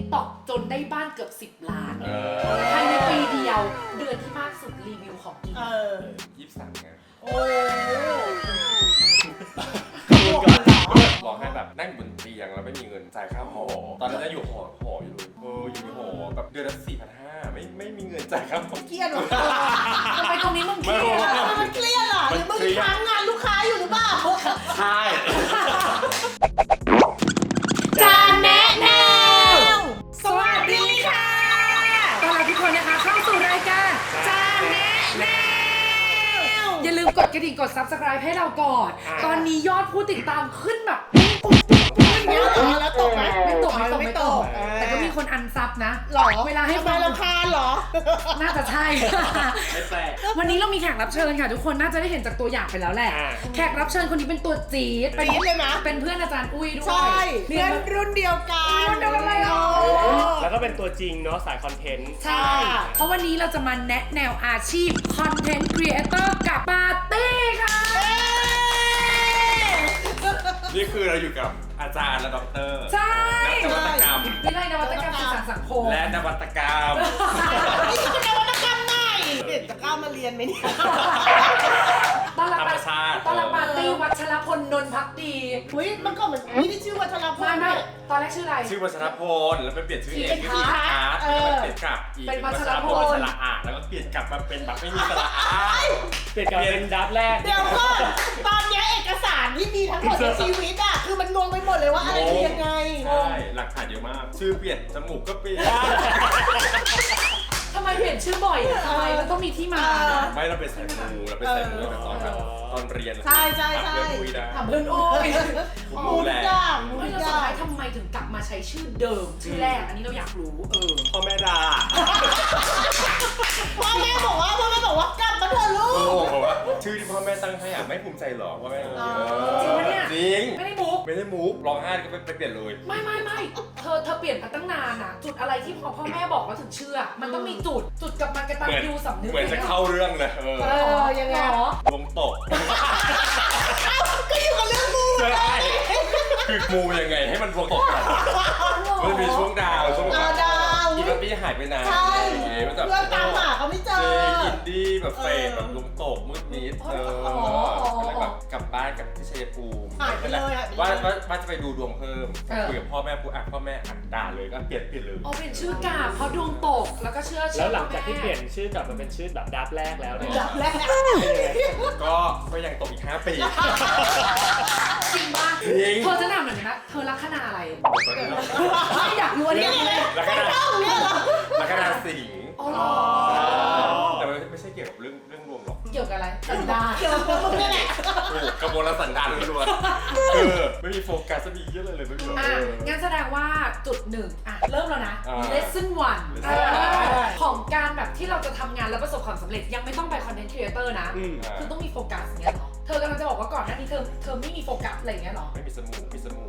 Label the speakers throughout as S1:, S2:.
S1: TikTok จนได้บ้านเกือบ10 ล้านภายในปีเดียวเดือนที่มากสุดรีวิวของกิน
S2: 23ไง
S3: โอ้
S2: บอกให้แบบนั่งบนเตียงแล้วไม่มีเงินจ่ายค่าหอตอนนั้นจะอยู่หออยู่เลยอยู่ในหอแบบเดือนละ4,500ไม่มีเงินจ่ายค่าหอ
S3: เครียดหรอ
S1: ทำไมตรงนี้มึงเครียด
S3: มันเครียดเหรอหรือมึงค้างงานลูกค้าอยู่หรือเปล่า
S2: ใช่
S1: จานแนะแนว
S3: สวัสดีค่ะ
S1: ต้อนรับทุกคนนะคะเข้าสู่รายการจานแนะแนวอย่าลืมกดกระดิ่งกด Subscribe ให้เราก่อนตอนนี้ยอดผู้ติดตามขึ้นแบบปุ๊บ
S3: แล้วตกไหม
S1: ไม่ตกแต่ก็มีคนอันซับนะ
S3: หรอ
S1: เวลาให้
S3: ฟังรำคาญหรอ
S1: น่าจะใช่
S2: ไม่แปลก
S1: วันนี้เรามีแขกรับเชิญค่ะทุกคนน่าจะได้เห็นจากตัวอย่างไปแล้วแหละแขกรับเชิญคนนี้เป็นตัวจี๊ด
S3: เลยนะ
S1: เป็นเพื่อนอาจารย์อุ้ยด้วย
S3: ใช่เพื่อนรุ่นเดียวกัน
S1: รุ่นเดียวกันเลย
S4: แล้วก็เป็นตัวจริงเนาะสายคอนเทนต์
S1: ใช่เพราะวันนี้เราจะมาแนะแนวอาชีพคอนเทนต์ครีเอเตอร์กับปาร์ตี้ค่ะ
S2: นี่คือเราอยู่กับอาจารย์และด็อกเตอร์
S1: ใช่
S2: นวัตกรรม
S1: วิทยาลัยนวัตกรรมสื่อสารสังคม
S2: และนวัตกรรม
S3: นี่คือนวัตกรรมไหนจะกล้ามาเรียนไหมเนี่ย
S1: ต้อนรับปาร์ตี้วัชรพลนนท์ภักดี
S3: เฮ้ยมันก็เหมือนนี่ชื่อวัชรพล
S1: ไม่ตอนแรกชื่ออะไร
S2: ชื่อวัชรพลแล้วไปเปลี่ยนชื่อเองเป็นอาร์ตแล้วก็เปลี่ยนกลับอีก
S1: เป็นวัชรพล
S2: สระอาแล้วก็เปลี่ยนกลับมาเป็นแบบไม่มีสระอา
S4: เปลี่ยนกลับเป็นดับแรก
S3: เดี๋ยวก่อนตอนนี้เอกสารที่มีทั้งหมดในชีวิตอ่ะคือมันงงไปหมดเลยว่าอะไรคือยังไง
S2: ใช่หลักฐานเยอะมากชื่อเปลี่ยนจมูกก็เปลี่ยน
S1: ทำไมเปลี่ยนชื่อบ่อยทำไมมันต้องมีที่มา
S2: ไม่เราเป็นสายมูเราเป็นสายมูแต่ตอนเรียน
S3: ใช่
S1: ทำเพื่อนอุ้ย
S2: มูแหละ
S1: ไม่แล้วสุดท้ายทำไมถึงกลับมาใช้ชื่อเดิมชื่อแรกอันนี้เราอยากรู้
S4: พ่อแม่ด่า
S3: พ่อแม่บอกว่ากลับมาเถอะลูก
S2: ชื่อที่พ่อแม่ตั้งให้ไม่ภูมิใจหรอพ่อแม่
S1: จริงปะเนี่ย
S2: จริง
S1: ไม่ได้
S2: มุกร้องไห้ก็ไปเปลี่ยนเลย
S1: ไม่เธอเปลี่ยนมาตั้งนานอะจุดอะไรที่พอพ่อแม่บอกว่าถึงเชื่อมันต้องมีจุดกับมันกระตันยูสำนึก
S2: เหมือนจะเข้าเรื่องเลย
S3: ยังไง
S2: ลงตก
S3: ก็อยู่กับเรื่องมู
S2: คือมูยังไงให้มันลงตกกันมันมีช่วงดาวอีกปีหายไปนาน
S3: ใช่เพื่อนตามหาเขาไม่เจอ
S2: อินดี้แบบเฟดแบบลงตกมืดมิดแล้วแบบกลับบ้านกับที่ชัยภูมิว่าจะไปดูดวงเพิ่มคุยกับพ่อแม่พ่อแม่ด่าเลยก็เปลี่ยนเลย
S1: เปลี่ยนชื่อกาเพราะดวงตกแล้วก็เชื่อ
S4: แล้วหลังจากที่เปลี่ยนชื่อกลับมาเป็นชื่อแบบดับแรกแล้วเนี่ย
S3: ดับแรก
S2: ก็ยังตกอีก5 ปี
S1: จริงป่ะเธอจะถามหน่อยนะเธอลัคนาอะไรไม่อยากรู้อันนี้เลย
S2: ลัคนาสิงห์แต่ไม่ใช่เกี่ยวกับเรื่องรวมหรอก
S1: เกี่ยวกับอะไรสันดาน
S3: เกี่ยวกับมึงนี่แหละ
S2: กระบวนการสันดานล้วนไม่มีโฟกัสจะมีเยอะเลยไม่มี
S1: งั้นแสดงว่าจุดหนึ่งเริ่มแล้วนะ lesson 1ของการแบบที่เราจะทำงานแล้วประสบความสำเร็จยังไม่ต้องไป content creator นะคือต้องมีโฟกัสอย่างเงี้ยหรอเธอกำลังจะบอกว่าก่อนหน้านี้เธอไม่มีโฟกัสอะไรอย่างเงี้ยหรอ
S2: ไม่มีสมู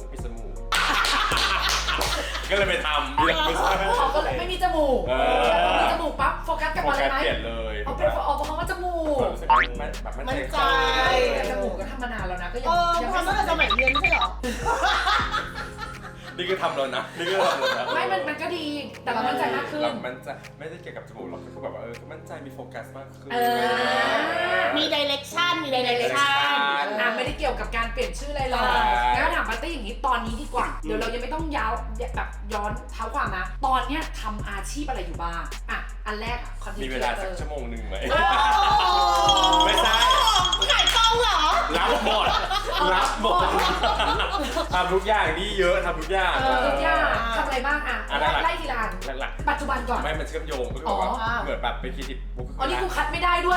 S2: ก็เลยไปทำ
S1: ก็เลยไม่มีจมูกมีจมูกปั๊บโฟกัสกับอะไรไหม
S2: เปลี่ยนเลย
S1: เอาเป็นเพราะว่าจมูก
S2: มั่นใจ
S1: แต่จมูกก็ทำมานานแล้วนะก็ยัง
S3: ทำตั้งแต่สมัยเรียนไม่ใช่หรอ
S2: นี่ก็ทำแล้วนะ
S1: ไม่มันก็ดีแต่เรามั่นใจมากขึ้น
S2: มันจะไม่ได้เกี่ยวกับจมูกหรอกคือแบบมั่นใจมีโฟกัสมากขึ้น
S3: มีดิเรกชันไม่ได้
S1: เกี่ยวกับการเปลี่ยนชื่ออะไรหรอกแล้วถามปาร์ตี้อย่างนี้ตอนนี้ดีกว่าเดี๋ยวเรายังไม่ต้องแบบย้อนเท้าความนะตอนเนี้ยทำอาชีพอะไรอยู่บ้างอันแรกคอนเทนต์
S2: มีเวลาสักชั่วโมงนึงไหม
S3: ไม่ใช่ขายกล้องเหรอ
S2: รับหมดทำทุกอย่างนี่เยอะทำทุกอย่าง
S1: ทำอะไรบ้างไล่ทีละอันปัจจุบันก่อน
S2: ไม่มันเชื่อมโยงก็คือว่าเหมือนแบบเป็นครีเอทีฟ
S1: นี่กูคัดไม่ได้ด้วย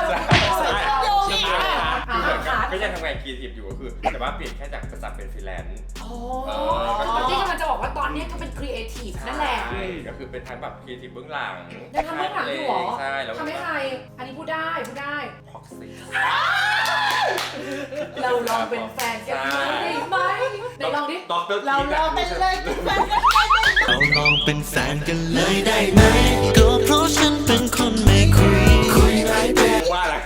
S2: ก็ยังทำงานครีเอทีฟอยู่ก็คือแต่ว่าเปลี่ยนแค่จากจะจับเป็นฟรีแลนซ์
S1: ที่กำลังจะบอกว่าตอนนี้ก็เป็นครีเอทีฟนั่นแหละ
S2: ก็คือเป็นทั้งแบบครีเอทีฟเบื้องหลัง
S1: ยังทำเบื้องหลังอยู่หรอ
S2: ใช่แล้ว
S1: ทำให้ใครอันนี้พูดได้
S2: พ็อกซี่
S1: เราลองเป็นแฟนกันได้ไหมไหนลองดิ
S3: เราลองเป็นเลย
S5: เราลองเป็นแฟนกันเลยได้ไหมก็เพราะฉันเป็นคนไม่คุยไรเด็ก
S2: ว่าอะไร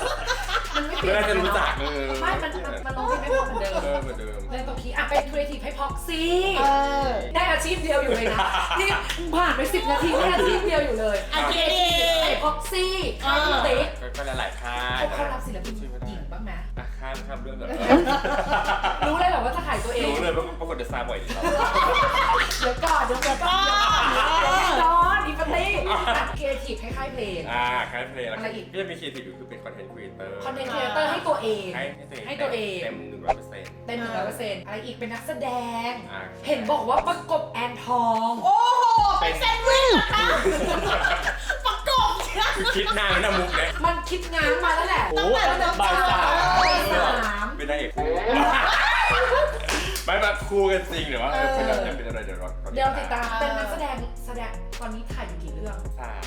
S1: มันไม่เปลี่ยนจะรู้จักมันลองที่ไม่พอเหมือนเดิมในตรงนี้เป็นครีเอทีฟให้พ็อกซี่
S3: อ
S1: ได้อาชีพเดียวอยู่เลยนะ นี่ผ่านไป10 นาทีได้อาชีพเดียวอยู่เลย
S3: อาชีพ
S1: ไอพ็อกซี่ค่ายคุณติ๊ก
S2: ก็หลายๆค่าย
S1: เขารับศิลปินหญิงบ้างไหม
S2: ข้ามเรื่องเลย
S1: รู้เลยเหรอว่าจะขายตัวเอง
S2: รู้เลยว่าปรากฏเดอะซาร์บ่อยดีครับ
S1: เดี๋ยวก่อนเดี๋ยวก่อนนอนอีปาร์ตี้ครีเอทีฟให้ค่ายเพลง
S2: ค่ายเพลงแล้ว
S1: อะไรอีก
S2: ก็จะมีครีเอทีฟอยู่คือเป็นคอนเทนต์ครีเอเตอร์
S1: คอนเทนต์ครีเอเตอร์ให้ตัวเอง ให้ตัวเอง
S2: เต็ม 100%
S1: เต็ม100%อะไรอีกเป็นนักแสดง
S2: อ่า
S1: เห็นบอกว่าประกบแอนทอง
S3: โอ้โห เป็นแซนด์วิชเหรอคะประกบเชียว
S2: คิดนานนะมุกเนี่ย
S1: มันคิดงานมาแล้วแหละ
S4: โอ้โห
S3: ตั้งแต่
S4: บ่ายสาม
S1: บ่ายสาม
S2: เป็นนางเอกคู่ไม่แบบคู่กันจริงหรือว่าเป็นอะไรเดี๋ยวรอ
S1: เดี๋ยวติดตามเป็นนักแสดงตอนนี้ถ่ายอยู่กี่เรื่อง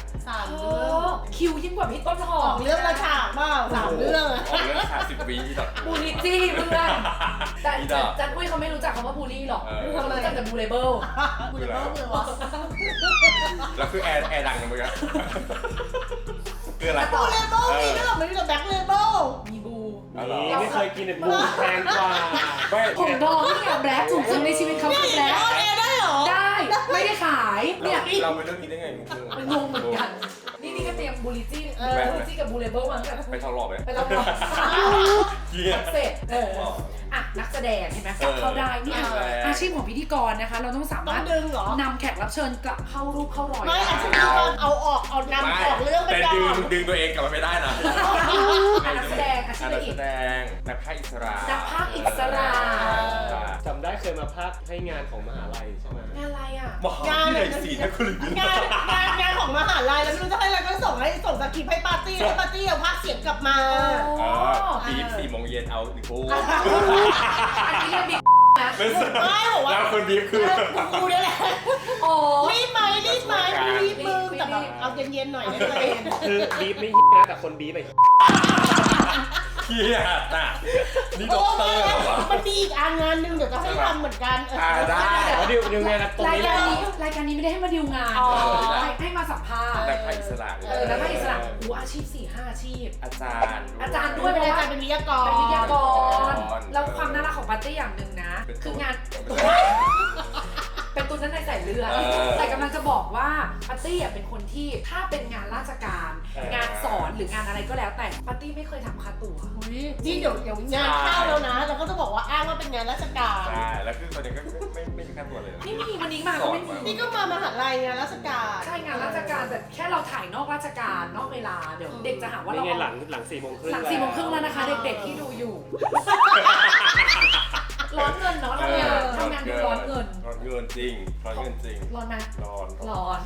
S3: 3
S1: โอ้
S3: เรื่อง
S1: คิวยิ่งกว่าพี่ต้นหอ
S3: ออ
S1: ม
S3: กเรื่องละฉากเปล่า3 เรื่องอะ
S2: ออกเรื่อง10 วิที่ต่อ
S1: บูลลี่จี้เพื่อนแต่จันอุ้ยเขาไม่รู้จักคำว่าบูลลี่หรอกเขารู้จักแต่บูเลเบิล
S3: กูจะต้องเลยวะ
S2: แล้วคือแอร์ดังเลยมั้ยคืออะไร
S3: บูเลเบิลมีด้วยเหรอไม่มีแต่แบ็คเลเบิล
S1: มีบู
S4: นี่ไม่เคยกินแต่บูแพงกว่า
S2: ไม่
S1: ผมทองนี่แบล็คสูงสุดในชีวิตเขาคือแบล็ค
S3: ออนแอร์ได้เหรอ
S1: ได้ไม่ได้ขายเนี่ย
S2: เราไปเรื่องนี้ได้ไงมุก
S1: มันงงเหมือนกัน นี่ก็เตรียมบูลลี่จี้บูลลี่จี้กับบูเลเบิลมาตั้งแต่
S2: ไปทองหล่อไหม
S1: ไปเราลอง
S2: เกียร์
S1: เสร็จอ่ะนักแสดงเห็นไหมกลับเข้าได้นี่อาชีพของพิธีกรนะคะ เราต้องสา
S3: ต้อ
S1: มารถ
S3: งดึงเหรอน
S1: ำแขกรับเชิญกลับเข้ารูปเข้ารอย
S3: ไม่
S1: ได้
S3: อาชีพนี้ก็เอาออกเอานำออกเรื่องไป
S2: แต่
S3: ก่อน
S2: ดึงตัวเองกลับมาไม่ได้นะ
S1: นักแสดงอาชีพอะไร
S2: นัก
S1: อี
S2: แส
S1: ก
S2: ดงนักพากย์อิสระ
S1: นักพากย์อิสระ
S4: จำได้เคยมาพากย์ให้งานของมหาลัยใช่ไหม
S1: งานอะไรอ่ะ
S2: มหาวิทยาลัยศรีนครินทร์
S3: งานของมหาลัยแล้วไม่รู้จะให้อะไรก็ส่งสคริปต์ให้ปาร์ตี้ให้ปาร์ตี้เอาภาคเสียงกลับมา
S2: บีบ4 โมงเย็นเอา1 คู่
S1: อันนี้เรียกบิ๊กนะ
S2: ไม่ใช่
S3: ไม่บอกว่า
S2: แล้วคนบีบคือ
S3: กูเนี่ยแหละ
S1: โอ้
S3: รีบไหมรีบมึงแต่แบบเอาเย็นๆหน่อยได้ไหม
S4: คือบีบไม่ฮินะแต่คนบีบไป
S2: เกียร์น่ะนี่ด็อกเตอร์เหรอวะ
S3: มันมีอีกงานหนึ่งเดี๋ยวจะให้ทำเหมือนกัน
S2: ได้
S4: แล้วดิวงานตรง
S1: ราย
S4: นี้
S1: การ
S4: เลย
S1: นี้รายการนี้ไม่ได้ให้มาดิวงานให้มาสัมภาษณ์
S2: นักพากย์อิสระ
S1: นักพากย์อิสระอาชีพ 4-5 อาชีพ
S2: อาจารย์
S1: อาจารย์
S3: ด้วยเป็นอาจารย์เป็นวิทยากร
S1: เป็นวิทยากรแล้วความน่ารักของปาร์ตี้อย่างหนึ่งนะ คืองานเป็นตัวนั้นในสายเลือดแต่กำลังจะบอกว่าปาร์ตี้เป็นคนที่ถ้าเป็นงานราชการ งานสอนหรืองานอะไรก็แล้วแต่ปาร์ตี้ไม่เคยทำค่าตั๋ว
S3: นี่เดี๋ยวงานเข้าแล้วนะเราก็จะบอกว่าอ้างว่าเป็นงานราชการ
S2: ใช่แล้วคือตอนนี้ก็ไม่มีค่าตัวเลย
S1: ไม่มีวันนี้มาก็ไม่มี
S3: นี่ก็มามหาลัยงานราชการ
S1: ใช่งานราชการแต่แค่เราถ่ายนอกราชการนอกเวลาเดี๋ยวเด็กจะหาว่า
S4: นี่
S1: เรา
S4: ไงหลัง4 โมงครึ่ง
S1: หลัง4 โมงครึ่งแล้วนะคะ เด็กๆที่ดูอยู่ ร้อนเงินเนาะทำงานดูร้อนเงิน
S2: ร้อนเงินจริงร้อนเงินจริง
S1: ร้อนไหม
S2: ร้อน
S1: ร้อน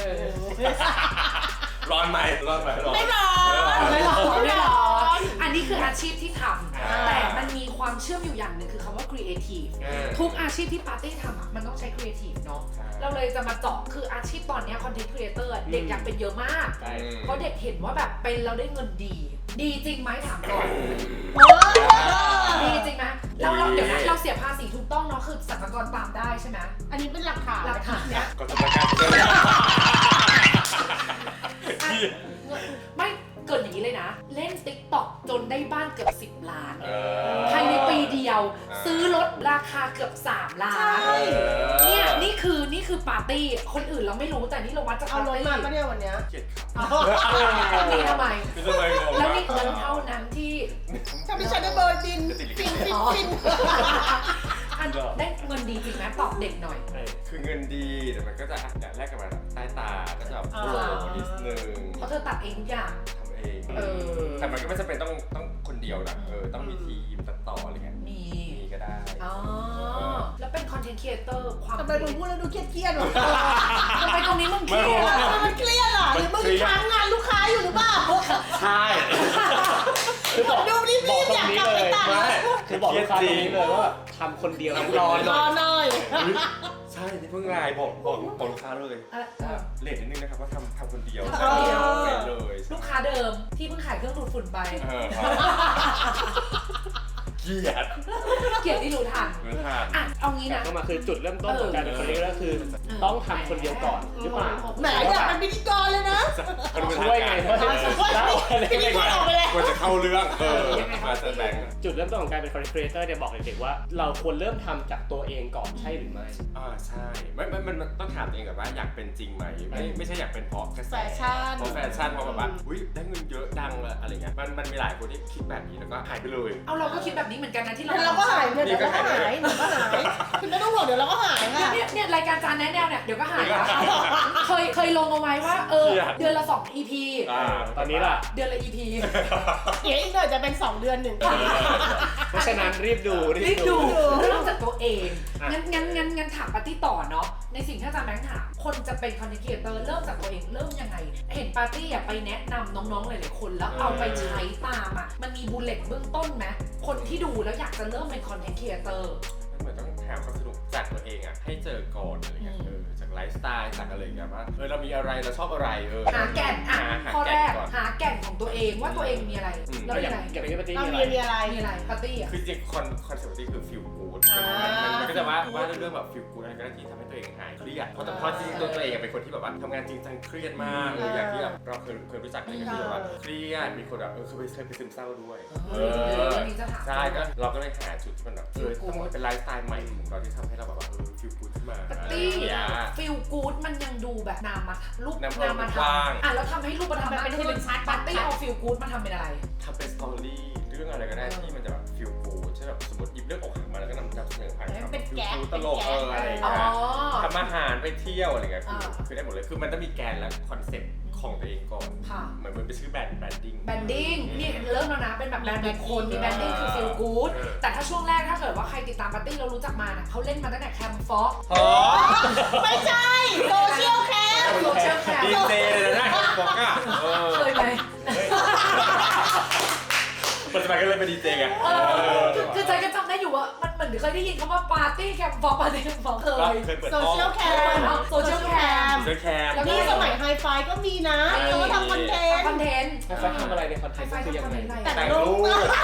S2: ร้อนไหมร้อนไหมร้อน
S3: ไม่ร้อน
S1: ไม่ร้อน
S3: ไม่
S1: ไม่
S3: ร้
S1: ร้
S3: อ
S1: อน นอันนี้คืออาชีพที่ทำแต่มันมีความเชื่อมอยู่อย่างหนึ่งคือคำว่า creative ทุกอาชีพที่ปาร์ตี้ทำอ่ะมันต้องใช้ creative เนาะเราเลยจะมาเจาะคืออาชีพตอนนี้ content creator เด็กอยากเป็นเยอะมาก เพราะเด็กเห็นว่าแบบเป็นเราได้เงินดี ดีจริงไหมถามก่อนดีจริงไหมเราเดี๋ยวนะเราเสียภาษีถูกต้องเนาะคือสรรพากรตามได้ใช่ไหม
S3: อันนี้เป็นหลักฐาน
S1: หลักฐานเนี่ย
S2: ก็จะประกันเ
S1: ไม่เกิดอย่างนี้เลยนะ เล่น TikTok จนได้บ้านเกือบ10 ล้านภายในปีเดียว ซื้อรถราคาเกือบ3 ล้านเนี่ยนี่คือปาร์ตี้คนอื่นเราไม่รู้แต่นี่เราวัดจาก
S3: เอา
S1: ปาร์
S3: รถ
S1: ตี้
S3: มาปะเนี่ยวันเนี้ย
S2: เกลียดครับ
S1: นี่ทำไม
S2: คือทำไมงง
S1: แล้วนี่เงินเท่านั้นที่
S3: ถ้าไม่ใช่ได้เบอร์บินฟิน
S1: อันได้เงินดีจริงไหมตอบเด็กหน่อย
S2: คือเงินดีแต่มันก็จะแลกกันมาใต้ตาก็จะแบบโผล่นิดนึง
S1: เพราะเธอตัดเองทุกอย่าง
S2: ทำเองแต่มันก็ไม่จำเป็นต้องคนเดียวนะต้องมีทีมตัดต่ออะไรเงี้ย
S1: มี
S2: ก็ได้
S1: อ๋อแล้วเป็นคอนเทนต์ครีเอเตอร์ความ
S3: ทำไมมึงพูดแล้วดูเครียดๆวะ
S1: ทำไมตรงนี้มึงเครียด
S3: มันเครียดอ่ะหรือมึงค้างงานลูกค้าอยู่หรือเปล่า
S2: ใช่
S4: คือบอก
S3: ดูรีบๆอยากกลับไปตัด
S4: คือบอกลูกค้าตรงนี้เลยว่าทำคนเดียวรอห
S3: ร
S4: น่
S3: อ
S4: อย
S3: หน่อย
S2: ใช่ที่เพิ่งไลน์บอกลูกค้าเลยเลทนิดนึงนะครับว่าทำคนเดียวไปเลย
S1: ลูกค้าเดิมที่เพิ่งขายเครื่องดูดฝุ่นไป
S2: เกลียด
S1: เกลียดที่รู้ทัน
S2: เหมือนทาน
S1: อ่ะเอางี้
S4: กลับ
S1: นะ
S4: เข้ามาคือจุดเริ่มต้นของการเป็นคนนี้ก็คือต้องทำคนเดียวก่อนหรือเปล่า
S3: แหมอยากเป็นพิธีกรเลยนะ
S4: ช่วยไงเพราะจะเล่าอะไร
S3: พิธีกรออกไปแล้ว
S2: ควรจะเข้าเรื่องมาแสดง
S4: จุดเริ่มต้นของการเป็นคอนเทนต์ครีเอเตอร์เนี่ยบอกเด็กๆว่าเราควรเริ่มทำจากตัวเองก่อนใช่หรือไม่
S2: ใช่มันต้องถามตัวเองก่อนว่าอยากเป็นจริงไหมไม่ใช่อยากเป็นเพราะกระแส
S3: แฟชั่น
S2: เพราะแฟชั่นเพราะแบบว่าอุ้ยได้เงินเยอะดังอะไรเงี้ยมันมีหลายคนที่คิดแบบนี้แล้วก็หายไปเลย
S1: เอาเราก็คิดแบบนี้เหมือนกันนะที่เรา
S3: เดี๋ยวเราก็หายเดี๋ยวเราก็หายคุณไม่ต้องห่วงเดี๋ยวเราก็หายค่ะ
S1: เนี่ยรายการจานแนะแนวเนี่ยเดี๋ยวก็หายละเคยลงเอาไว้ว่าเดือนละ2 EP
S4: ตอนนี้ล่ะ
S1: เดือนละ EP
S3: เดี๋ยวอีกหน่อยจะเป็น2 เดือน1
S4: เพราะฉะนั้นรีบดู
S1: รีบดูเริ่มจากตัวเองงั้นถามปาร์ตี้ต่อเนาะในสิ่งที่อาจารย์แบงค์ถามคนจะเป็นคอนเทนต์ครีเอเตอร์เริ่มจากตัวเองเริ่มยังไงเห็นปาร์ตี้ไปแนะนำน้องๆหลายๆคนแล้วเอาไปใช้ตามมันมีบูลเลตเบื้องต้นไหมคนที่ดูแล้วอยากจะเริ่มเป็นคอนเทนต์ครีเอเตอร์
S2: เหมือนต้องหาความสนุกจากตัวเองให้เจอก่อนอะไรเงี้ยจากไลฟ์สไตล์จากอะไรเงี้ยว่าเรามีอะไรเราชอบอะไร
S1: หาแก่นข้อแรกหาแก่นของตัวเองว่าตัวเองมีอะไรแล้วมีอะไร
S4: อย่างนี้ปาร์ตี้
S3: เรา
S4: มีอะไร
S3: มีอะไร
S1: ปาร์ตี้
S2: คือจริงคอนเซ็ปต์ที่คือ feel good มันก็จะว่าเรื่องแบบ feel good อะไรก็ได้ที่ทำให้ตัวเองหายเครียดเพราะจริงๆตัวเองเป็นคนที่แบบว่าทำงานจริงจังเครียดมากอย่างที่แบบเราเคยรู้จักอะไรกันที่แบบว่าเครียดมีคนแบบเคยไปซึมเศร้าด้วยใช่ก็เราก็เลยหาจุดที่มันแบบต้องเป็นไลฟ์สไตล์ใหม่ของเราที่ทำให้เราแบบว่าfeel good ขึ้นมา
S1: ปาร์ตี้ feel good มันยังดูแบบนามรูปนามธรรมแล้วทำให้รูปธรรมเป็นปาร์ตี้เอา feel good มาทำเป็นอะไร
S2: ทำเป็นสตอรี่เรื่องอะไรก็ได้ที่มันจะแบบ feel good ใช่แบบสมมติหยิบเรื่องอกหักมาแล้วก็นำเสนอผ่าน
S3: เป็นแก๊ก
S2: ตลกอะไรอย่างเงี้ยทำอาหารไปเที่ยวอะไรเงี้ยคือได้หมดเลยคือมันต้องมีแกนและคอนเซ็ปต์ของตัวเองก่อนเหมือนเป็นชื่อแบรนดิ้ง
S1: นี่เริ่มแล้วนะเป็นแบบแบรนด์บุคคลมีแบรนดิ้งคือ feel good แต่ถ้าช่วงแรกถ้าเกิดว่าใครติดตามปาร์ตี้เรารู้จักมาเขาเล่นมาตั้งแต่แคมฟ็อก
S3: ไม่ใช่โซเชียลแคม
S2: ดีเจเลยนะฟ็อกอะ
S1: เคยไหม
S2: ปัจจุบันก็เลยเป็นดีเจไง
S1: คือใจก็จำได้อยู่ว่ามันเหมือนเคยได้ยินคำว่าปาร์ตี้แคมฟ็อกเคย
S2: เปิด
S3: โซเชียลแคมแล้วนี่สมัยไฮไฟก็มีนะเขาทำคอนเทนต์
S4: เขาทำอะไรในคอนเทนต์คือยังไง
S3: แต่งรู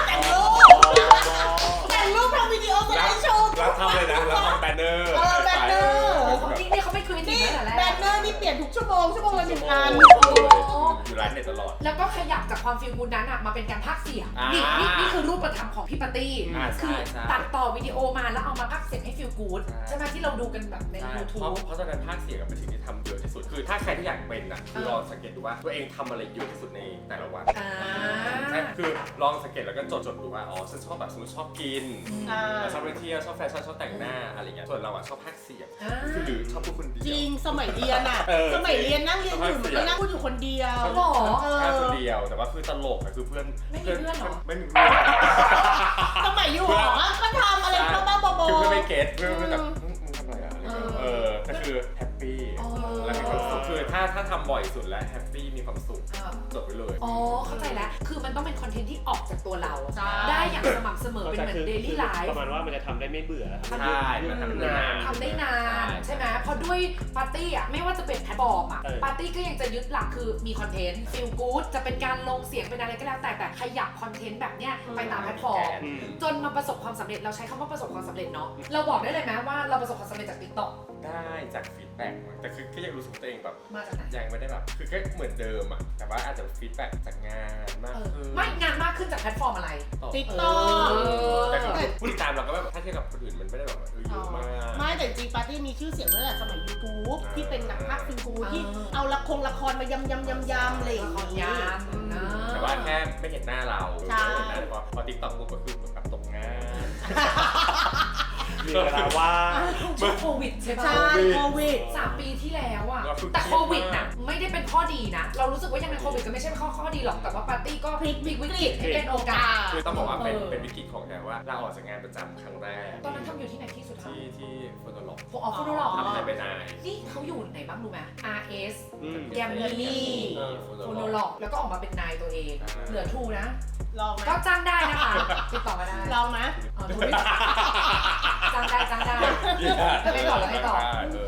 S3: ปทำวิดีโอสไลด์โชว์
S2: รับทำเลยนะรับทำแบนเนอร์
S1: นี่เขาไม่คืนจริงๆแหละ
S3: แบนเนอร์นี่เปลี่ยนทุกชั่วโมงละ1 อัน
S2: อยู่ร้านเน็ตตลอด
S1: แล้วก็ขยับจากความฟีลกูดนั้นมาเป็นการพากย์เสียงนี่คือรูปธรรมของพี่ปาร์ตี้คือตัดต่อวิดีโอมาแล้วเอามาพากย์เสียงให้ฟีลกูดใช่ไหมที่เราดูกันแบบใน YouTube
S2: เพราะตอนนั้นพากย์เสียงเป็นสิ่งที่ทำเยอะที่สุดคือถ้าใครที่อยากเป็นคือลองสังเกตดูว่าตัวเองทำอะไรเยอะที่สุดในแต่ละวันใช่คือลองสังเกตแล้วก็จดดูว่าฉันชอบแบบสมมติชอบกินชอบไปเที่ยวชอบแฟชั่นชอบแต่งหน้าอะไรเงี้ยส่วนเราชอบพากย์เสียงหรือชอบพูดคนเดียว
S3: จริงสมัยเรียนนั่งเรียนอยู่ก็นั่งพูดอยู่คนเดียว
S1: หรอ
S2: คนเดียวแต่ว่าคือตลกคือเพื่อน
S1: ไม่มีเพื่อนหรอ
S2: ไม่มีเพื่อน
S3: สมัยอยู่หรอก็ทำอะไรบ้าๆ
S2: คือเพื่อนไม่เก็ตเพื่อนแบบทำอะไรอะไรก็คือแฮปปี้และมีความสุขคือถ้าทำบ่อยสุดแล้วแฮปปี้มีความสุขจบไปเลย
S1: เข้าใจแล้วคือมันต้องเป็นคอนเทนต์ที่ออกจากตัวเราได้อย่างสม่ำเสมอเป็นเหมือนเดลี่ไลฟ์
S4: ประมาณว่ามันจะทำได้ไม่เบื่อ
S2: ใช่มันทำ
S1: ได้นานใช่ไหมเพราะด้วยปาร์ตี้ไม่ว่าจะเป็นแพลตฟอร์มปาร์ตี้ก็ยังจะยึดหลักคือมีคอนเทนต์ฟีลกู๊ดจะเป็นการลงเสียงเป็นอะไรก็แล้วแต่ขยับคอนเทนต์แบบเนี้ยไปตามแพลตฟอร์มจนมาประสบความสำเร็จเราใช้คำว่าประสบความสำเร็จเนาะเราบอกได้เลยไหมว่าเราประสบความสำเร็จจาก TikTok
S2: ได้จากฟีดแบ็กแต่คือก็ยังรู้สึกตัวเองแบบ
S1: มาจากไหน
S2: ยังไม่ได้แบบคือก็เหมือนเดิมแต่ว่าอาจจะฟีดแบ็กจากงานมากขึ้น
S1: ไม่งานมากขึ้นจากแพลตฟอร์มอะไร
S3: TikTok
S2: แต่คือผู้ติดตามเราก็แบบถ้าเทียบกับคนอื่นมันไม่ได้แบบเยอะมาก
S3: ไม่แต่จริงปาร์ตี้มีชื่อเสียงตั้งแต่สมัย YouTube ที่เป็นหนังภาคฟิล์มกูที่เอาละครมายำอะไรอย่างเงี้ย
S2: แต่ว่าแค่ไม่เห็นหน้าเราพอ TikTok ปุ๊บก็คือแบบตกงาน
S4: มีเวลาว่า
S1: ช่วงโควิดใช่ปะ
S3: ใช่โควิด
S1: 3 ปีที่แล้วแต่โควิดนะไม่ได้เป็นข้อดีนะเรารู้สึกว่ายังไงโควิดก็ไม่ใช่ข้อดีหรอกแต่ว่าปาร์ตี้ก็พลิกวิกฤตให้เป็นโอกาส
S2: คือต้องบอกว่าเป็นวิกฤตของแกว่าลาออกจากงานประจำครั้งแรก
S1: ตอนนั้นทำอยู่ที่ไหนที่สุด
S2: ที่โฟโตล็อก
S1: โฟโตล็อก
S2: ทำอะไรไปนาย
S1: นี่เขาอยู่ไหนบ้างรู้ไหม RS แกมมี่โฟโตล็อกแล้วก็ออกมาเป็นนายตัวเองเหลือทูนะ
S3: ลองไหม
S1: ก็จ้างได้นะคะติดต่อมาได้
S3: ลองไหม
S1: จ้างได้ไปต่อ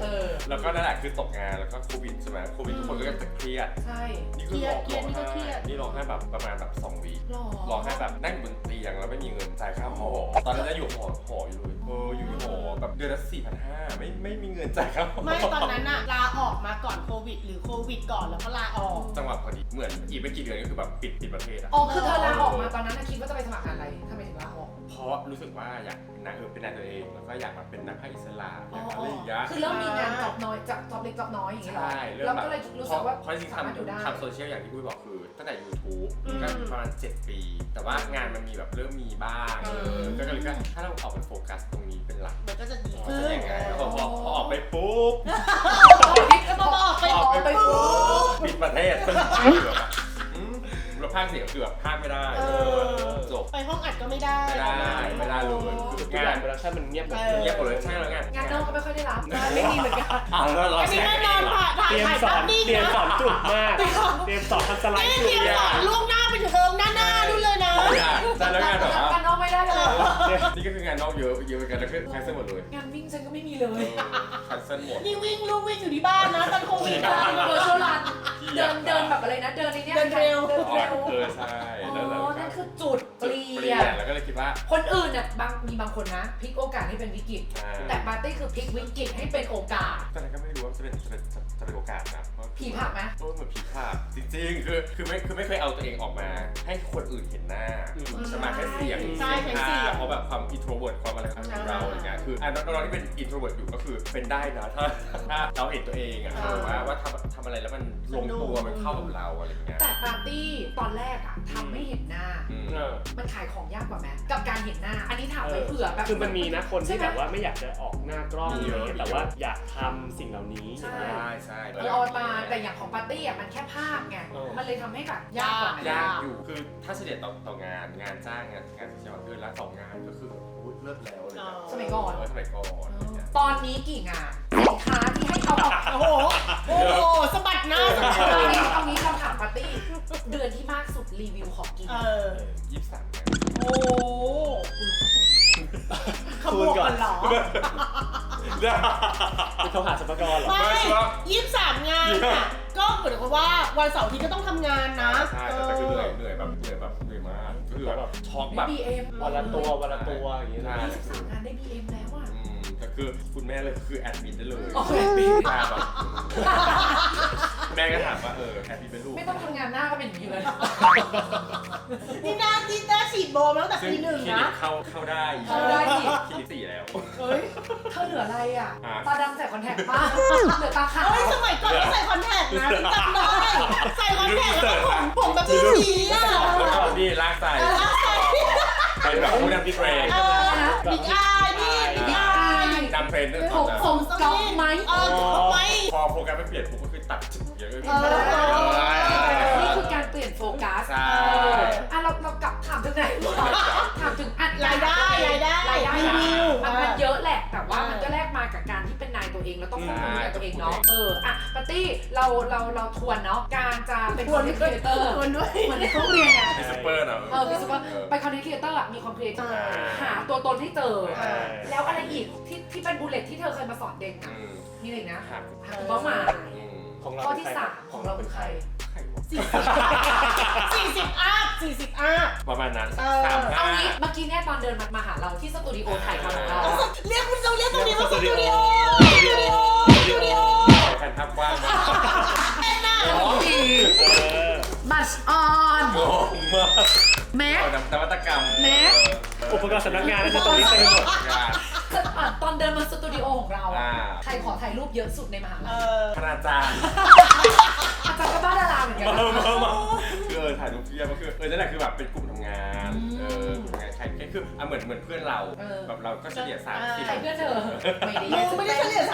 S2: แล้วก็นั่นแหละคือตกงานแล้วก็โควิดใช่ไหมโควิดทุกคนก็จะเครียด
S1: ใช่
S2: นี่คือร้องไห้นี่ร้องไห้แบบประมาณแบบ2 วีร้องไห้แบบนั่งบนเตียงแล้วไม่มีเงินจ่ายค่าหอตอนนั้นจะอยู่หออยู่เลยอยู่หอแบบเดือนละ4,500ไม่มีเงินจ่ายค่าหอ
S3: ไม่ตอนนั้นอะลาออกมาก่อนโควิดหรือโควิดก่อนแล้วก็ลาออก
S2: จังหวะพอดีเหมือนอีกไม่กี่เดือนก็คือแบบปิดประเทศอะ
S1: อ๋อคือเธอลาออกมาตอนนั้นคิดว่าจะไปสมัครงานอะไรทำไมถึงลาออก
S2: เพราะรู้สึกว่าอยากเป็นนายตัวเองแล้วก็อยากมาเป็นนักภาคอิสระอยากอะไรอย่างเงี้ย
S1: คือเริ่มมีงานจอบน้อยจอบเล็กจอบน้อยอย่างเงี้ยหรอ
S2: ใช่เริ่ม
S1: แล้ว
S2: แบบ
S1: ก็เลยรู้สึกว่า
S2: เพราะจริงๆ
S1: สามารถอยู่ได้
S2: ทำโซเชียลอย่างที่ปุ้ยบอกคือตั้งแต่ YouTube ก็ประมาณ7 ปี แต่ว่างานมันมีแบบเริ่มมีบ้างก็เลยก็ถ้าเราออกไปโฟกัสตรงนี้เป็นหลัก
S3: มันก็จะดี
S2: จะ
S3: ขึ้น
S2: ยังไงแล้วพอออกไปปุ๊บ
S3: ก็มาออกไป
S2: ออกไปปุ๊บปิดประเทศคือแบบเราพากย์เสียงคือแบบพากย์ไม่ได้จบ
S3: ไปห้องอัดก็ไม่ได้
S2: ไม่ได้เลย
S4: ทุก
S2: งา
S4: อย่าง
S2: น
S4: โปรดักชั่นมันเงียบหมด
S2: เงียบหมดเลยใช่แล้วไง
S1: งานนอกก็ไม่ค่อยได้รับไม่มีเหมือนกัน
S2: แล้วเรา
S3: อันนี้
S2: แช
S3: แน่
S2: ร์
S3: นอนค่ะถ่าย
S4: เตรียม
S3: ถ่าย
S4: สอ
S3: ภาน พนิ่ง
S4: เตรียม
S3: นะ
S4: สอนจุกมากเตรียมสอนทำสไลด์
S3: เต
S4: จุ
S3: รี
S4: ก
S3: ยมสอนล่วงหน้าไปถึงเทอมหน้านู่นเลยนะ
S2: ใช่แล้วงานแบบว่า
S1: งานนอกไม่ได้เลย
S2: นี่ก็คืองานนอกเยอะเหมือนกันแล้วก็แคนเซิลหมดเลย
S1: งานวิ่งฉันก็ไม่มีเลย
S2: แคนเซิลหมด
S3: นี่วิ่งลูกวิ่งอยู่ที่บ้านนะตอนโควิดนะ
S1: เวอร์ชวลรันเดินแบบอะไรนะเดินในเนี้ย
S3: เดินเร็ว
S2: ใช่
S1: อ๋
S2: แล้วเรา
S1: อนั่นคือจุดเปลี่ยน
S2: แล้วก็เลยคิดว่า
S1: คนอื่นเนี่ยมีบางคนนะพลิกโอกาสให้เป็นวิกฤตแต่ปาร์ตี้คือพลิกวิกฤตให้เป็นโอกาส
S2: ตอนนั้นก็ไม่รู้ว่าจะเป็นโอกาสนะ
S1: ผีผลักไหม
S2: เหมือนผีผลักจริงๆคือไม่เคยเอาตัวเองออกมา ให้คนอื่นเห็นหน้าจะมาแค่เสียงเพราะแบบความอินโทรเวิร์ตความอะไรของเราอะไรเงี้ยคือน้องๆที่เป็นอินโทรเวิร์ตอยู่ก็คือเป็นได้นะถ้าเราเห็นตัวเองอะว่าทำอะไรแล้วมันลงตัวมันเข้ากับเราอะไรเงี้ย
S1: แต่ปาร์ตี้ตอนแรกอะทำไม่เห็นหน้า มันขายของยากกว่าไหมกับการเห็นหน้า อันนี้ถามไว้เผื่อแบบ
S4: คือมันมีนะคนที่
S1: ใช่ไหม
S4: แบบว่าไม่อยากจะออกหน้ากล้องเยอะแต่ว่าอยากทำสิ่งเหล่านี้อย่างเงี้ย
S2: ใช่
S1: เอามาแต่อย่างของปาร์ตี้อะมันแค่ภาพไง มันเลยทำให้แบบยากกว่าไหม
S2: ยากอยู่คือถ้าเฉลี่ยต่องานจ้างงานเฉลี่ยเดือนละ2 งานก็คือเลิศแล้วเลย
S1: สมัยก่อน
S2: สมัยก่อน
S1: ตอนนี้กี่งานสินค้าที่ให้เอาออก
S3: โอ้โหสะบัดหน้าสะบัด
S1: ตอนนี้คำถามปาร์ตี้เดือนที่มากสุดรีวิวของกิน
S2: 23 งาน
S3: โอ้ขบวนกันเหรอ
S4: คือเขาหาสมกรเหรอ
S3: ไม่23 งานอ่ะก็เหมือนกับว่าวันเสาร์อาทิตย์ก็ต้องทำงานนะ
S2: ใช่แต่คือเหนื่อยเหนื่อยมากก็คือแบบช็อกแบบ
S1: BM
S4: วันละตัวอย่างเงี้ยนะ
S1: 23 งานได้ BM แล้วอ่ะ
S2: แต่คือคุณแม่เลยคือแอดมิดได้เลย
S1: โอเค
S2: แบบแม่ก็ถามว่าแอดมิดเป็นลูก
S1: ไม่ต้องทำงานหน้าก็เป็นอย่างนี้เลย
S3: นี่น่าฉีดโบมาตั้งแต่ปี 1
S2: คลินิ
S3: นะ
S2: กเข้าได้
S1: เข้าได้อีก
S2: คลินิก4 แล้ว
S1: เฮ้ยเธอเหลืออะไรอ่ะ ตาดำใส่คอนแทคป้าเหลือตาขาว
S3: เฮ้ยสมัยก่อนก็ใส่คอนแทคนะพี่จำได้ใส่คอนแทคแล้วก็ผมแบบสีอ่ะ
S2: แล้วก็นี่ลากใส่เป็นแบบผู้นำที่เทรน
S3: บิ๊กอายนี่บิ๊กอาย
S2: นำเทรนด้วย
S1: ผม
S3: ผมส
S1: ก๊อป
S3: มิธ
S1: ไหม
S3: ไม่
S2: พอโปรแกรมไม่เปลี่ยนผมก็คือตัดจุดเยอะเลย
S1: นี่คือการเปลี่ยนโฟกัส
S2: ใช่
S1: เรากลับถามถึงไหนถามถึงอัด
S3: รายได้
S1: รี
S3: รี
S1: วิ
S3: วิ
S1: ว
S3: ว
S1: มันเยอะแหละ แต่ว่ามันก็แลกมากับการที่เป็นนายตัวเองแล้วต้องควบคุมนายตัวเองเนาะปาร์ตี้เราทวนเนาะการจะเป็นคอนเทนต์ครีเอเตอร์
S3: ทวนด้วย
S1: เหมือนในห้องเรียนไง
S2: มีซูเปอร์นะ
S1: มีซูเปอร์ไปคอนเทนต์ครีเอเตอร์มีความครีเอทีฟหาตัวตนให้เจอ แล้วอะไรอีกที่เป็นบูลเลตที่เธอเคยมาสอนเด็กอ่ะมีอะไรนะหาเป้าหมาย
S4: ของเรา
S1: ข้อที่ 3 ของเราเป็นใคร
S3: 40 อัพ
S2: ประมาณนั้น
S1: เอางี้เมื่อกี้เนี่ยตอนเดินมาหาเราที่สตูดิโอถ่ายทำของเรา
S3: เรียกคุณเราเรียกตรงนี้ว่าสตูดิโอ
S2: แผ่นภาพกว้างมาก
S1: มัชออน
S2: โง่มาก
S1: แม็ก
S2: นวัตกรรม
S4: อุปกรณ์สำนักงานนั่นคือตรงนี้เต็มไปหมด
S1: ตอนเดินมาสตูดิโอของเราใครขอถ่ายรูปเยอะสุดในมหาลัย
S2: คณาจารย์
S1: อาจารย์ก็บ้าดาราเหมือนกัน
S2: คือถ่ายรูปเพียบก็คือนั่นแหละคือแบบเป็นกลุ่มทำงานกลุ่มทำงานใครคือเหมือนเพื่อนเราแบบเราก็เฉลี่ย30
S1: ใครเพื่อนเธอไม่ได้
S3: มึงไม่ได้เฉลี่ย30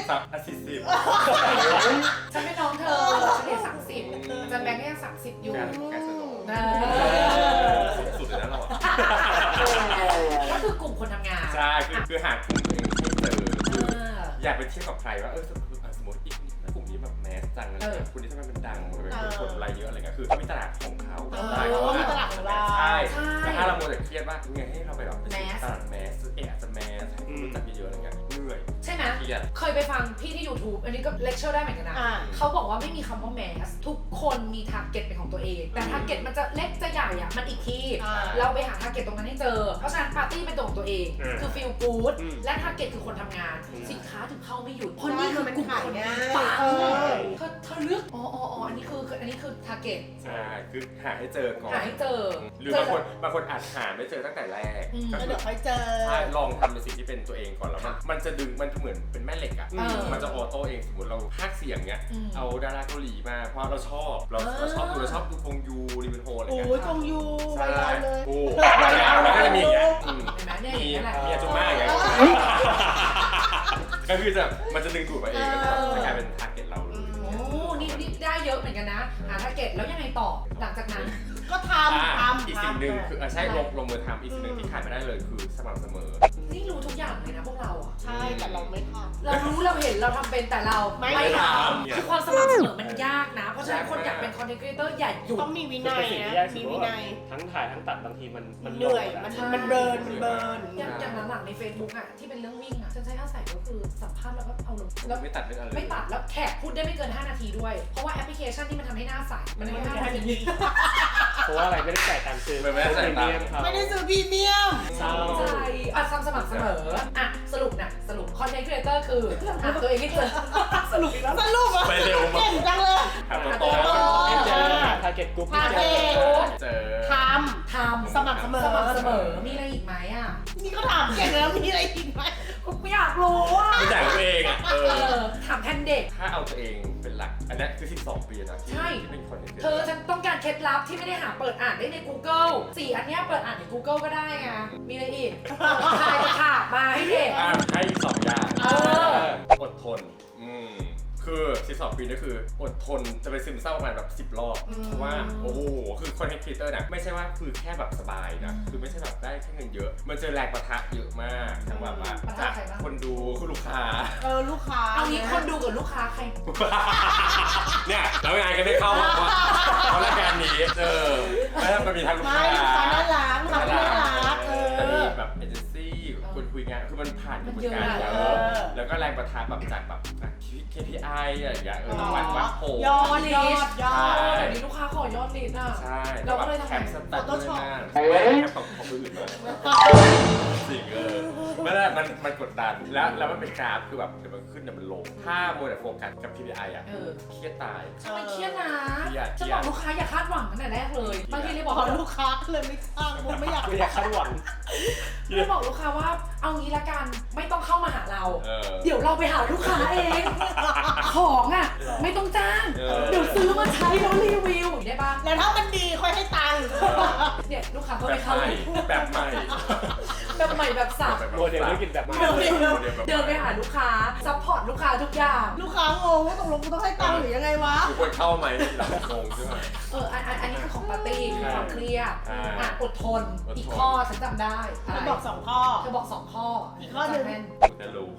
S1: ฉันเป็นน้องเธอเฉลี่ย30อาจารย์แบงค์ก็ยัง30อยู่
S2: การสนุก สุดเลยนะเรา
S1: ก็คือกลุ่มคนทำงาน
S2: ใช่คือหากลุ่มตัวเองให้เจออยากไปเทียบกับใครว่าสมมติอีกกลุ่มนี้แบบแมสจังอะไรคุณนี่ทำไมมันดังเป็นคนอะไรเยอะอะไรเงี้ยคือเขามีตลาดของเขา
S3: มีตลาดของเรา
S2: ใช่แต่ถ้าเราโมเดลเครียดว่าไงให้เราไปแบบตลาดแมสอาจจะแมสให้รู้จักเยอะๆอะไรเงี้ยเหนื่อย
S1: ใช่ไหม
S2: รียด
S1: เคยไปฟังพี่ที่ YouTube อันนี้ก็เลคเชอร์ได้เหมือนกันนะ เขาบอกว่าไม่มีคำว่าแมสทุกคนมีทาร์เก็ตเป็นของตัวเองแต่ทาร์เก็ตมันจะเล็กจะใหญ่อะมันอีกที่เราไปหาทาร์เก็ตตรงนั้นให้เจอเพราะฉะนั้นปาร์ตี้เป็นตัวของตัวเองคือฟีลกู๊ดและทาร์เก็ตคือคนทำงานสินค้าถึงเข้าไม่หยุดเพราะนี่คือกลุ่มคนปังเธอเลือกอันนี้คือทาร์เก็ต
S2: ใช่คือหาให้เจอก่อน
S1: หาให้เจอ
S2: หรือบางคนอาจหาไม่เจอตั้งแต่แรกก็
S3: แล้ว
S2: คื
S3: เดี๋
S2: อ
S3: ยวค่อยเจอ
S2: ใช่ลองทำในสิ่งที่เป็นตัวเองก่อนแล้วมันจะดึงมันเหมือนเป็นแม่เหล็กอ่ะมันจะออโต้เองสมมติเราพากย์เสียงเนี้ยเอาดาราเกาหลีมาเพราะเราชอบดูกงยูริเวนโฮอะไร
S3: โอ้
S2: เงี้ย
S3: ยกงยูไว
S2: ใช่
S3: รัลเลย
S2: โอ้แล้วก็จะมีอย่างเงี้ย
S1: เห็นไหมเนี่ย
S2: มี
S1: อย่างนี้แหละ
S2: อาจุม่าอย่างเงี้ยก็คือมันจะดึงดูดมาเองก็จะกลายเป็นทาร์เก็ตเราเลย
S1: โอ้นี่ได้เยอะเหมือนกันนะ หาทาร์เก็ตแล้วยังไงต่อหลังจากนั้น
S3: ก็ทำ
S2: อีกสิ่งหนึ่งคือใช่ลงมือทำอีกสิ่งหนึ่งที่ขาดไม่ได้เลยคือสม่ำเสมอ
S1: นี่รู้ทุกอย่างเลยนะพวกเราอ่ะ
S3: ใช่แต่เราไม่ทำ
S1: เรารู้เราเห็นเราทำเป็นแต่เรา
S3: ไม่ทำ
S1: คือความสม่ำเสมอมันยากนะ เพราะฉะนั้นคนอยากเป็นคอนเทนต์ครีเอเตอร์อย่าหยุด
S3: ต้องมีวินัย
S4: สิ่ง
S3: นะ
S4: ที่ยากสุ
S3: มี
S4: ด
S3: วิ
S4: ว่า
S3: นัย
S4: ทั้งถ่ายทั้งตัดบางทีมัน
S3: เหนื่อยมันเบิร์น
S1: อย่างหลังๆใน Facebook อ่ะที่เป็นเรื่องวิ่งอ่ะฉันใช้อาศัยก็คือสัมภาษณ์แล้วก็เอาลงแล้ว
S2: ไม่ตัดไม่อะไร
S1: ไม่ตัดแล้วแขกพูดได้ไม่เกิน 5 นาทีด้วย เพราะว่าแอปพลิเคชันที่มันทำให้หน้าใสมันไม่5 นาที
S4: เพราะว่าอะไรไม่ได้จ่ายตังค์ซื้อ
S2: ไม่ได้จ่ายตังค์
S3: ไม่ได้ซื้อพรีเมียม
S4: เศร้า
S1: ใช่อ่ะสม่ำเสมออ่ะสรุปคอนเทนต์ครีเอเตอร์คือหาตัวเองให้เจอสรุปอีกแล้ว
S3: สรุปอ่ะ
S2: ไปเร็วมาก
S3: เก่งจังเลย
S2: หาตัวต
S4: ไม่เจอทาร์เก็ตกลุ่มไม่เจอ
S2: เจอ
S3: ท
S1: ทำ
S3: สม่ำเสมอ
S1: สม่ำเสมอมีอะไรอีกไหมอ่ะ
S3: ำนี่ก็ถามเก่งแล้วมีอะไรอีกไหม
S1: ไม่อยากรู้อ่ะ
S2: ไม่จ่ายตัวเองอ่ะ
S1: ถามแทนเด็ก
S2: ถ้าเอาตัวเองเป็นหลักอันนี้คือ12 ปีนะที่
S1: ใช่
S2: เป็นคน
S1: เธอฉันต้องการเคล็ดลับที่ไม่ได้หาเปิดอ่านได้ใน Google 4 อันเนี้ยเปิดอ่านใน Google ก็ได้ไงมีอะไรอีกทายจะขาบมาให้เด็ก
S2: ให้อีก2อย่าง อดทนคือ12 ปีนี่คืออดทนจะไปซึมเศร้าประมาณแบบ10 รอบเพราะว่าโอ้โหคือคอนเทนต์ครีเอเตอร์นะไม่ใช่ว่าคือแค่แบบสบายนะคือไม่ใช่แบบได้แค่เงินเยอะ มันเจอแรงปะทะเยอะมากทั้งแบบว่าจากคนดูคือลูกค้า
S3: ลูกค้า
S1: เอางี้คนดูกับลูกค้าใคร
S2: เนี่ยแล้วงานก็ไม่เข้าเพราะรายการนี้แล้วมันมีทั้งลูก
S3: ไม่
S2: ค้า
S3: ลูกค้าน่ารัก
S2: แต่มีแบบเอเจนซี่คนคุยงานคือมันผ่านกระบวนการเยอะแล้วก็แรงปะทะแบบจากแบบ KPI อะไรอย่างเงี้ยวันโห
S3: ยอด
S1: เดี๋ยวนี้ลูกค้าขอยอดลิสต์อ่ะ
S2: ใช่
S1: เราก็เลยทำไง
S2: แคปสแตทด้วยนะแคปของคนอื่นมาสิ่งไม่ได้มันกดดันแล้วมันเป็นกราฟคือแบบเดี๋ยวมันขึ้นเดี๋ยวมันลงถ้ามัวแต่โฟกัสกับ KPI อ่ะเครียดตาย
S1: ทำไมเครียดนะ
S2: เครียด
S1: จะบอกลูกค้าอย่าคาดหวังตั้งแต่แรกเลยบางทีเลยบอก
S3: พอลูกค้าเลยไม่ข้างผมไม่อยาก
S4: ไม่อยากคาดหวัง
S1: เลยบอกลูกค้าว่าเอางี้ละกันไม่ต้องเข้ามาหาเรา
S2: เ
S1: เดี๋ยวเราไปหาลูกค้าเอง ของอ่ะไม่ต้องจ้าง เดี๋ยวซื้อมาใช้แล้วรีวิวได้ปะ
S3: แล้วถ้ามันดีค่อยให้ตังค์
S1: เนี่ยลูกค้าก็
S2: แบ
S1: ไป
S2: บ
S1: เข้า
S2: ใหม่แบบใหม่
S1: แบบใหม่แบบสับ
S4: โมเดลธุรกิจแบบใหม่
S1: เดินไปหาลูกค้าซัพพอร์ตลูกค้าทุกอย่าง
S3: ลูกค้างงว่าตกลงกูต้องให้ตังค์หรือยังไงวะ
S2: คือควรเข้าไหมหลังงงใช่ไหม
S1: อันนี้คือของปาร์ตี้คือความเครียดอดทน
S2: อดทน
S1: อีกข้อฉันจำได้
S3: เธอบอก2ข้อ
S1: เธอบอก2 ข้อ
S3: อีกข้อหนึ่ง
S1: จำแม่
S2: กูจะรู้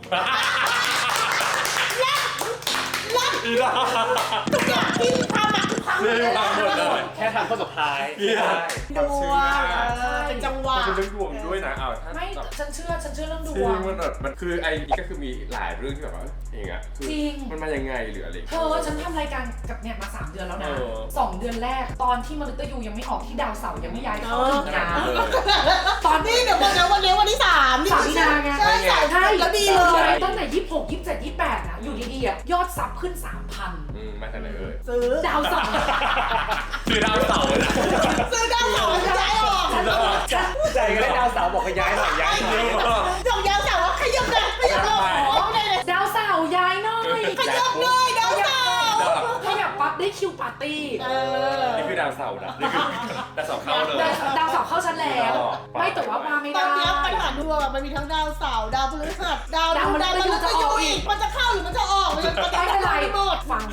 S2: อีดา
S3: ทุกอย่างที่ทำอะคือทำ
S2: เรื่องมาหมดเลย
S4: แค่ทำข้อสุดท้าย
S2: พี่ได้
S3: ดวงเป็นจังหวะ
S2: มันเป็นเรื่องดวงด้วยนะถ้า
S1: ไม่
S2: แบบ
S1: ฉันเชื่อเรื่องด
S2: จริ
S1: ว
S2: ง
S1: ง
S2: มันแบบมันคือไอ้นี่ก็คือมีหลายเรื่องที่แบบว่าอย่างเงี้ยคือ
S1: จริง
S2: มันมายังไงหรืออะไร
S1: เธอฉันทำรายการกับเนี่ยมา3 เดือนแล้วนะ
S2: เออ
S1: 2 เดือนแรกตอนที่มนุษย์ยูยังไม่ออกที่ดาวเสาร์ยังไม่ย้ายเข้าถึงนะ
S2: เออ
S1: ตอน
S3: นี่เดี๋ยววันนี้วันที่3นี่
S1: 3 มีนาไง
S3: ใช่ใช่แล้วดีเลย
S1: ตั้งแต่26 27 28อ่ะอยู่ดีๆอ่ะยอดซับขึ้น 3,000
S2: มาจากไหนเอ่ย
S3: ซื้อ
S1: ดาวเสาร์
S2: คือดาวเสาร์นะ
S3: ซื้อดาวเสาร์ย้ายออก
S4: ใจก็ได้ดาวเสาร์บอกให้ย้ายหน่อยย้ายหน่อย
S3: ดอกยาวเสาร์ว่าขยับเลยขยับเลยไม่ได้เลย
S1: ดาวเสาร์ย้ายหน่อย
S3: ขยับเลยดาวเสาร์
S1: ขยับปั๊บได้คิวปาร์ตี้
S2: นี่คือดาวเสาร์นะนี่คือดาวเสาร์เข้าเลย
S1: ดาวเสาร์เข้าชั้นแล้ว ไม่แต่ว่ามาไม่
S3: ตอ
S1: ได้
S3: นนี้ปัญหาดวงมันมีทั้งดาวเสาร์ดาวพฤหัสดาวมันจะอยู่อีกมันจะเข้าหรือมันจะออกมันจะ
S1: ไม่เป็นไร
S3: หมด
S1: ฟังให้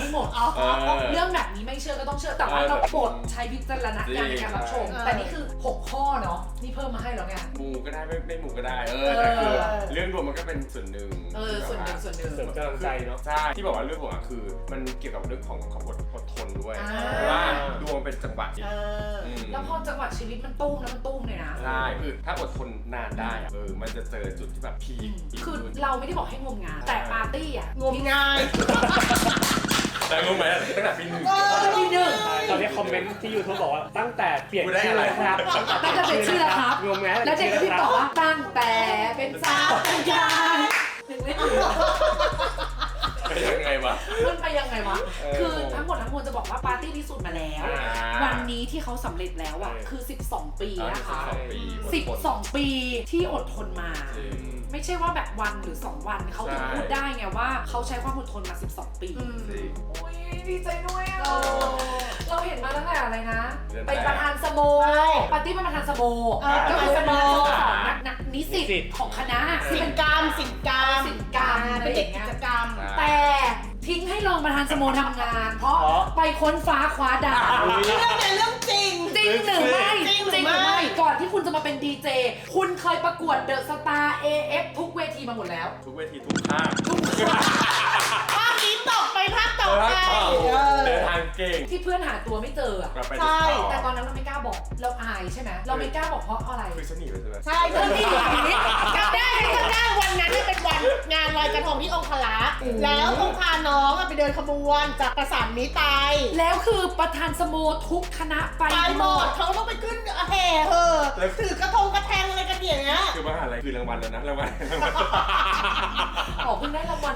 S1: หมดเรื่องแบบนี้ไม่เชื่อก็ต้องเชื่อแต่ว่าเราโปรดใช้วิจารณญาณในการรับชมแต่นี่คือ6ข้อเนาะนี่เพิ่มมาให้แล้วไง
S2: มูก็ได้ไม่มูก็ได้แต่คือเรื่องดวงมันก็เป็นส่วนหนึ่ง
S1: ส่วนหนึ่ง
S4: เสริมกำลังใจเนาะ
S2: ใช่ที่บอกว่าเรื่องดวงคือมันเกี่ยวกับเรื่องของความอดทนด้วยเพราะว่าดวงเป็นจังหวะ
S1: แล้วพอจังหวะชีวิตมันตุ้มแล้วมันตุ้มเลยนะ
S2: ใช่คือถ้าอดทนนานได้มันจะเจอจุดที่แบบพีค
S1: คือเราไม่ได้บอกให้งมงายแต่ปาร์ตี้อ่ะ
S3: งมงาย
S2: แต่รู้ไหมตั้งแต่ปีหนึ่ง
S1: ปีหนึ่ง
S4: ตอนนี้คอมเมนต์ที่ YouTube บอกว่าตั้งแต่เปลี่ยนชื่อแล้วครับ
S1: ตั้งแต่เป็นชื่อแล้วครับ
S4: งงไหม
S1: แล้วเด็กก็พี่ตอบว่าตั้งแต่เป็นสาวเป็นยายหนึ่งไม่ถึง
S2: เป็นยังไงวะ
S1: มันไปยังไงวะคือทั้งหมดทั้งมวลจะบอกว่าปาร์ตี้พิสูจน์มาแล้ววันนี้ที่เขาสำเร็จแล้วอ่ะคือ12 ปีนะคะ12 ปีที่อดทนมาไม่ใช่ว่าแบบวันหรือ2 วันเขาถึงพูดได้ไงว่าเขาใช้ความอดทนมา12 ปีโอ้ยดีใจด้วยอ่ะเราเห็นมาตั้งแต่อะไรนะเป็นประธานสโมปาร์ตี้เป็นประธานสโมก็คือสโมของนักนิสิตของคณะ
S3: สินกรรม
S1: เป็นเด็กกิจกรรม
S3: แต่
S1: ทิ้งให้รองประธานสโมทำงาน เพราะไปค้นฟ้าคว้าดาว
S3: เรื่องในเรื่องจริง
S1: จริงหรือไม่ก่อนที่คุณจะมาเป็นดีเจคุณเคยประกวดเดอะสตาร์ AF ทุกเวทีมาหมดแล้ว
S2: ทุกเวทีทุกภาค
S3: ภาคนี้ตกไปภาคต่อไป
S2: เดินทางเก่ง
S1: ที่เพื่อนหาตัวไม่เจออะ
S3: ใช่
S1: แต่ตอนนั้นเราไม่กล้าบอกเราอายใช่ไหมเราไม่กล้าบอกเพราะอะไร
S2: คือฉันหนีไปใช่ไหม
S3: ใช่จะมีจำได้วันนั้นเป็นวันงานลอยกระทงที่องคลักษ์แล้วต้องพาน้องไปเดินขบวนจากประสานมิตรไป
S1: แล้วคือประธานสโมทุกคณะไป
S3: หมดเขาต้องไปขึ้นแห่ถือกระทงกระแทงอะไรกันอย่างเงี้ย
S2: คือมหาลัยคือรางวัลแล้วนะรางวัล
S1: ออกเพิ่งได้รางวัล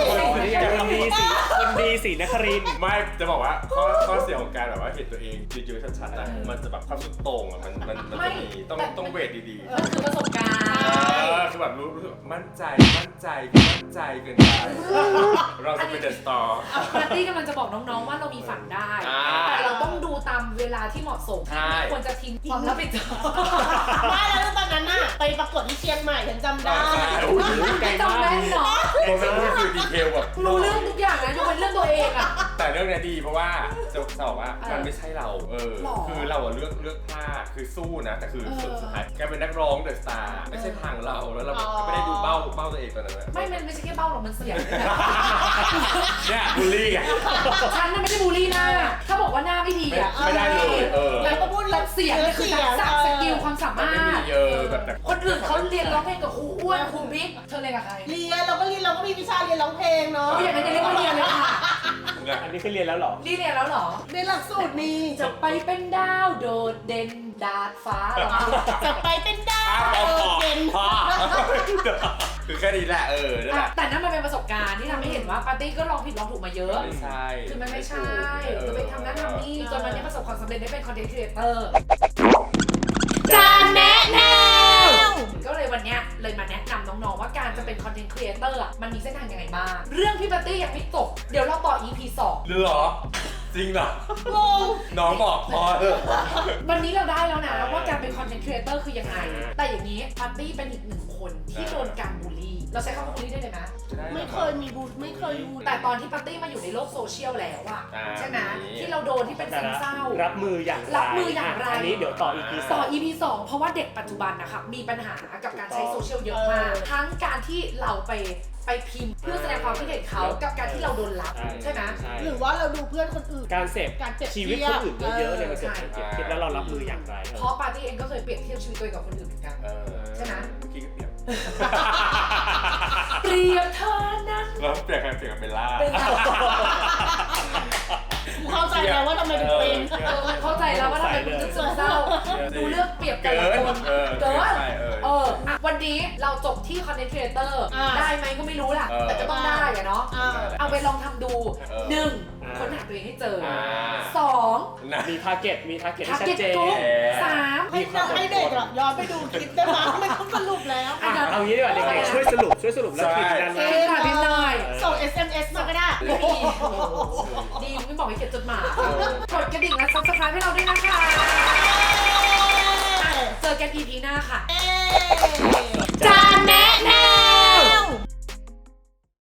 S4: คนดีสีนครินทร์
S2: ไม่จะบอกว่าข้อเสียของการแบบว่าเห็นตัวเองเยอะๆชัดๆนะมันจะแบบความสุดโต่งอ่ะมันจะมีต้องเวทดีๆ
S1: มันคือประสบการณ์
S2: คือแบบรู้สึกมั่นใจเกินไปเราจะเป็นเดอะสตาร์
S1: ปาร์ตี้กำลังจะบอกน้องๆว่าเรามีฝันได้ แต่เราต้องดูตามเวลาที่เหมาะสมไม่ควรจะทิ้งความรับผิดชอบ
S3: ไม่แล้วตอนนั้นน่ะไปประกวดที่เชียงใหม่ฉันจำได้
S1: ไม่จำแม่นเนาะ
S2: โอ้โหนี่คือดีเทลแบบ
S1: รู้เรื่องทุกอย่างนะยกเว้นเรื่องตัวเองอะ
S2: แต่เรื่องนี้ดีเพราะว่าจะบอกว่ามันไม่ใช่เราคือเราอะเลือกพลาดคือสู้นะแต่คือสุดท้ายแกเป็นนักร้องเดอะสตาร์ไม่ใช่ทางเราแล้วเราไม่ได้ดูเบ้าตัวเองตอนนั้น
S1: ไม่ใช่แค่เบ้าหรอกมันเสียง
S2: เนี่ยบูลลี่ไง
S1: ฉันน่ะไม่ได้บูลลี่หน้าถ้าบอกว่าหน้าไม่ดีอะ
S2: ไม่ได้เลย
S1: แล้วก็พูดเรื่องเสียงนี่คือทักษะสกิลความสามารถ
S2: ไม่มีแบบแต่
S1: คนอื่นเขาเรียนร้องเพลงกับครูอ้วนครูบิ๊กเธอเรียนกับใคร
S3: เรียนเราก็มีวิชาเรียนร้องเพลงเนาะ
S1: อย่างนั้นจะเรียกว่าเรียนเลยค่ะ
S4: อันนี้คือเรียนแล้วเหรอ
S1: นี่เรียนแล้วเหรอ
S3: เรียนหลักสูตรนี้
S1: จะไปเป็นดาวโดดเด่นดาดฟ้าเหรอ
S3: จะไปเป็นดาวเด่น
S2: คือแค่นี้แหละนั่นแหละ
S1: แต่นั่นมันเป็นประสบการณ์ที่ทำให้เห็นว่าปาร์ตี้ก็ลองผิดลองถูกมาเยอะ
S2: ไม่ใช่
S1: คือมันไม่ใช่จะไปทำนั่นทำนี่จนวันนี้ประสบความสำเร็จได้เป็นคอนเทนต์ครีเอเตอร์จานแนะแนวก็เลยวันนี้เลยมาแนะนำน้องๆว่าการจะเป็นคอนเทนต์ครีเอเตอร์มันมีเส้นทางยังไงบ้างเรื่องพี่ปาร์ตี้ยังไม่จบเดี๋ยวเราต่อ EP 2
S2: เหรอจริงเหรอ
S3: งง
S2: น้องบอกพอเถอะ
S1: วันนี้เราได้แล้วนะว่าการเป็นคอนเทนต์ครีเอเตอร์คือยังไงแต่อย่างนี้ปาร์ตี้เป็นอีกหนึ่งคนที่โดนการบูลลี่เราใช้คำว่าบูลลี่ได้เลยนะ
S3: ไม่เคยมีบูธไม่เคยบูธ
S1: แต่ตอนที่ปาร์ตี้มาอยู่ในโลกโซเชียลแล้วอะใช่ไหมที่เราโดนที่เป็นซึมเศร้า
S4: รับมืออย่างไรอันนี้เดี๋ยวต่อ EP
S1: ต่อ EP 2 เพราะว่าเด็กปัจจุบันนะคะมีปัญหากับการใช้โซเชียลเยอะมากทั้งการที่เราไปพิมพ์เพื่อแสดงความคิดเห็นเขากับการที่เราโดนรับใช่ไหม
S3: หรือว่าเราดูเพื่อนคนอื่น
S4: การเสพชีวิตคนอื่นเยอะๆเนี่ยมันเกิดการเปรียบเทียบแล้วเรารับมืออย่างไร
S1: เพราะปาร์ตี้เองก็เคยเปรียบเทียบชีวิตตัวเองกับคนอื่นเหมือนกันใช่ไหม
S2: เมื่อกี้ก็เปรียบ
S1: เปรียบเธอนั้น
S2: แล้วเปรียบกับเบลล่า
S3: เข้าใจแล้วว่าทำไมถึงเป็น
S1: เข้าใจแล้วว่าทำไมคุณถึงซึมเศร้าดูเลือกเปรียบแต่ละคนเกินวันนี้เราจบที่คอนเทนต์ครีเอเตอร์ได้ไหมก็ไม่รู้ล่ะแต่ก็ต้องได้อะเนาะเอาไปลองทำดู 1. ค้นหาตัวเองให้เจอ 2.
S4: มีทาร์เก็ตที่ชัดเจน
S1: 3.
S3: ให้เด็กย้อนไปดูคลิปได้ไหมไม่ต้องสรุปแล้ว
S4: เอางี้ดีกว่าเด็กๆช่วยสรุปแล้วพิมพ์กันนะ
S1: พิมพ์หน่อย
S3: ส่ง SMS มาก็ได้
S1: ดีไม่บอกให้เขียนจดหมายกดกระดิ่งและ Subscribe ให้เราด้วยนะคะ เจอกัน EP หน้าค่ะจานแนะแนว